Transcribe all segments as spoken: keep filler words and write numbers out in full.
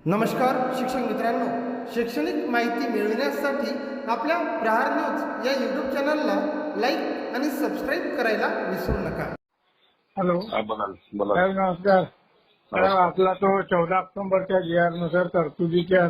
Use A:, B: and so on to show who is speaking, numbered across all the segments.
A: नमस्कार शिक्षक मित्रांनो, शैक्षणिक माहिती मिळविण्यासाठी आपल्या प्रहार न्यूज या यूट्यूब चॅनलला लाईक आणि सबस्क्राईब करायला विसरू नका.
B: हॅलो
C: हा, बोला बोला.
B: साहेब नमस्कार. साहेब आपला तो चौदा ऑक्टोबरच्या जी आर नुसार तरतुदीच्या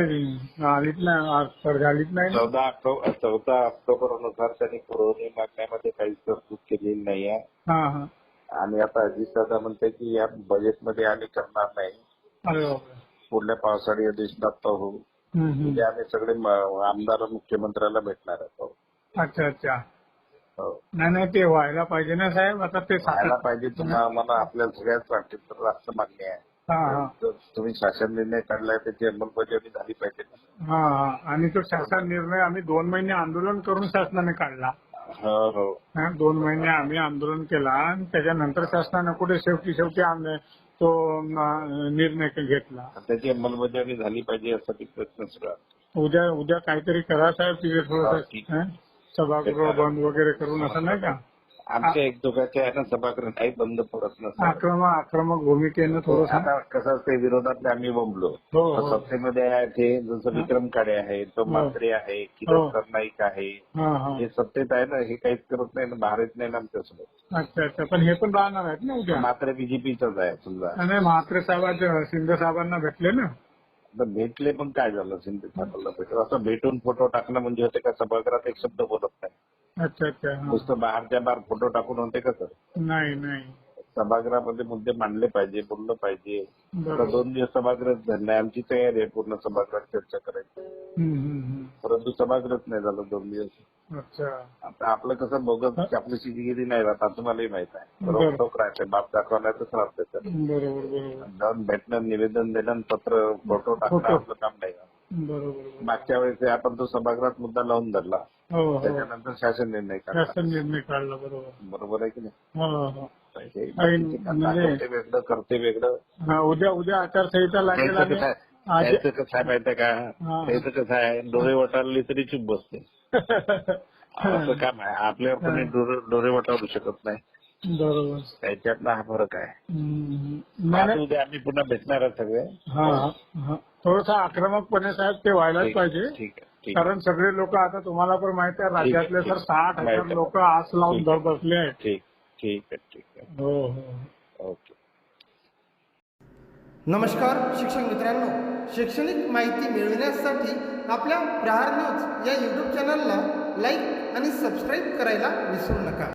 B: आलीच नाही झालीच नाही ना?
C: चौदा ऑक्टोबर चौदा ऑक्टोबर नुसार त्यांनी पुरवणी मागण्यामध्ये काहीच तरतूद केलेली नाही आहे.
B: हा हा
C: आणि आता अजित दादा म्हणते की या बजेटमध्ये आम्ही करणार नाही,
B: अरे बापरे.
C: पुढल्या पावसाळी अधिवेशनात पाहू.
B: हम्म, हम्म.
C: म्हणजे आम्ही सगळे म- आमदार मुख्यमंत्र्याला भेटणार आहोत.
B: अच्छा अच्छा.
C: हो.
B: नाही नाही ते व्हायला पाहिजे ना साहेब. आता ते
C: व्हायला
B: सातत-
C: पाहिजे. तुम्हाला मला आपल्या सगळ्याच वाटते तर राष्ट्र मान्य आहे.
B: हा हा
C: तर तुम्ही शासन निर्णय काढलाय त्याची अंमलबजावणी झाली पाहिजे ना.
B: हा हा आणि तो शासन निर्णय आम्ही दोन महिने आंदोलन करून शासनाने काढला.
C: हो हो
B: हा, दोन महिने आम्ही आंदोलन केला आणि त्याच्यानंतर शासनाने कुठे शेवटी शेवटी आम्ही तो अं, निर्णय घेतला.
C: त्याची अंमलबजावणी झाली पाहिजे यासाठी प्रयत्न सुरू आहे.
B: उद्या उद्या काहीतरी करा साहेब. तिथे
C: हा,
B: थोडस
C: ठीक.
B: सभागृह बंद वगैरे करून असं नाही का.
C: आमच्या एक दोघांच्या आहे ना सभागृह काही बंद पडत नसतं.
B: आक्रमक आक्रमक भूमिकेनं थोडस.
C: आता कसं असते विरोधातले आम्ही बोंबलो.
B: हो, हो.
C: सत्तेमध्ये आहे ते जसं विक्रम काळे आहे, तो म्हात्रे आहे,
B: हो.
C: किरण नाईक आहे.
B: हा हा
C: हे सत्तेत आहे ना, हे काहीच करत नाही ना, बाहेर येत नाही ना आमच्यासोबत.
B: अच्छा अच्छा. पण हे पण राहणार आहेत ना उद्या.
C: मात्र बीजेपीचाच आहे समजा.
B: आणि म्हात्रे साहेब शिंदे साहेबांना भेटले ना.
C: आता भेटले पण काय झालं शिंदे साहेबांना भेटलं असं भेटून फोटो टाकणं म्हणजे होते का सभागृहात एक शब्द बोलत नाही.
B: अच्छा अच्छा. हा.
C: नुसतं बाहेरच्या बाहेर फोटो टाकून होते का सर.
B: नाही नाही.
C: सभागृहामध्ये मुद्दे मांडले पाहिजे, बोललं पाहिजे. आता
B: बरोबर.
C: दोन दिवस सभागृह धरणे आमची तयारी आहे पूर्ण सभागृहात चर्चा करायची.
B: हम्म, हम्म, हम्म.
C: परंतु सभागृहच नाही झालं दोन दिवस.
B: अच्छा.
C: आता आपलं कसं बोगस चापलूसीगिरी नाही राहत, आता तुम्हालाही माहित आहे.
B: बरं.
C: रोखोक राहते, बाप दाखवण्यातच राहते. तर
B: बरोबर बरोबर
C: जाऊन भेटणं, निवेदन देणं, पत्र फोटो टाकणं
B: फोटो.
C: आपलं काम नाही.
B: बरोबर बरोबर.
C: मागच्या वेळेस आपण तो सभागृहात मुद्दा लावून धरला,
B: हो हो.
C: त्याच्यानंतर शासन निर्णय काढला.
B: शासन निर्णय काढला. बरोबर.
C: बरोबर आहे की नाही.
B: हो हो.
C: हे
B: आणि
C: बाकीचे का-
B: म्हणजे-
C: दाखवते वेगळं, करते वेगळं.
B: हा, उद्या उद्या आचारसंहिता लागेल
C: त्याचं
B: आणि
C: कसं आहे,
B: आज
C: त्याचं कसं आहे माहितीये का,
B: हा.
C: त्याचं कसं आहे, डोळे वटारले तरी चूप बसते. असं काम आहे. आपल्यावर कोणी डोळे डोळे वटारू शकत नाही.
B: बरोबर.
C: त्याच्यातला हा फरक आहे.
B: हम्म. नाही,
C: आता
B: नाही.
C: उद्या आम्ही पुन्हा भेटणार आहे सगळे.
B: हा हा. थोडस आक्रमकपणे साहेब ते व्हायलाच
C: ठीक
B: पाहिजे.
C: ठीक आहे, ठीक आहे.
B: कारण सगळे लोक आता तुम्हाला पण माहिती आहे राज्यातले
C: ठीक
B: सर
C: आहे.
B: साठ हजार
C: माहिती आहे.
B: लोक आस लावून
C: ठीक
B: धर
C: आहे.
B: बसले आहेत.
C: ठीक ठीक आहे ठीक आहे.
B: हो हो.
C: ओके.
A: नमस्कार शिक्षक मित्रांनो, शैक्षणिक माहिती मिळविण्यासाठी आपल्या प्रहार न्यूज या यूट्यूब चॅनलला लाईक आणि सबस्क्राईब करायला विसरू नका.